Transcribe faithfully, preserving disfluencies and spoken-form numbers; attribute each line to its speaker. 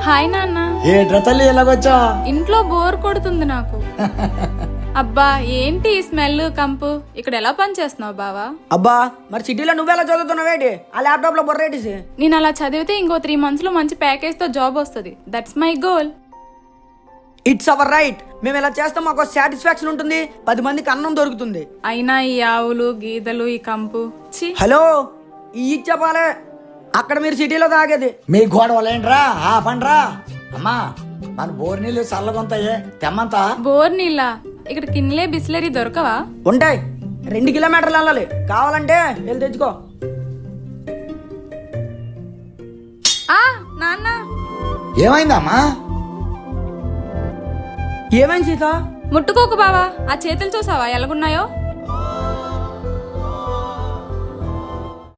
Speaker 1: Hi నాన్న.
Speaker 2: ఏంట్రా తల్లి ఎలాగొచ్చా?
Speaker 1: ఇంట్లో బోర్ కొడుతుంది నాకు. అబ్బా ఏంటి ఈ స్మెల్ కంపు? ఇక్కడ ఎలా పని చేస్తున్నావు బావా?
Speaker 3: అబ్బా మరి సిటీలో నువ్వెలా చదువుతున్నావేటి? ఆ ల్యాప్టాప్ లో బొర్రేటిసి.
Speaker 1: నేను అలా చదివితే ఇంకో త్రీ మంత్స్ లో మంచి ప్యాకేజ్ తో జాబ్ వస్తుంది. That's my goal.
Speaker 3: It's our right. మేము ఇలా చేస్తాం, మాకు సాటిస్ఫాక్షన్ ఉంటుంది, పది మందికి అన్నం దొరుకుతుంది.
Speaker 1: అయినా ఈ ఆవులు గీదలు ఈ కంపు ఛీ.
Speaker 3: హలో, ఈ చెప్పాలే అక్కడ మీరు సిటీలో తాగేది.
Speaker 2: మీ గోడవలేంట్రా ఆ పండ్రా. అమ్మా మన బోర్ నీళ్ళు చల్లగొంతాయే తెమ్మంతా.
Speaker 1: బోర్ నీళ్ళ ఇక్కడ కిన్లే బిస్లరీ దొరకవా?
Speaker 3: ఉంటాయి, రెండు కిలోమీటర్లు వెళ్ళాలి. కావాలంటే వెళ్ళి తెచ్చుకో.
Speaker 1: ఆ నాన్న
Speaker 2: ఏమైందమ్మా?
Speaker 3: ఏమైంది సీత?
Speaker 1: ముట్టుకోకు బావా. ఆ చేతులు చూసావా ఎలాగున్నాయో?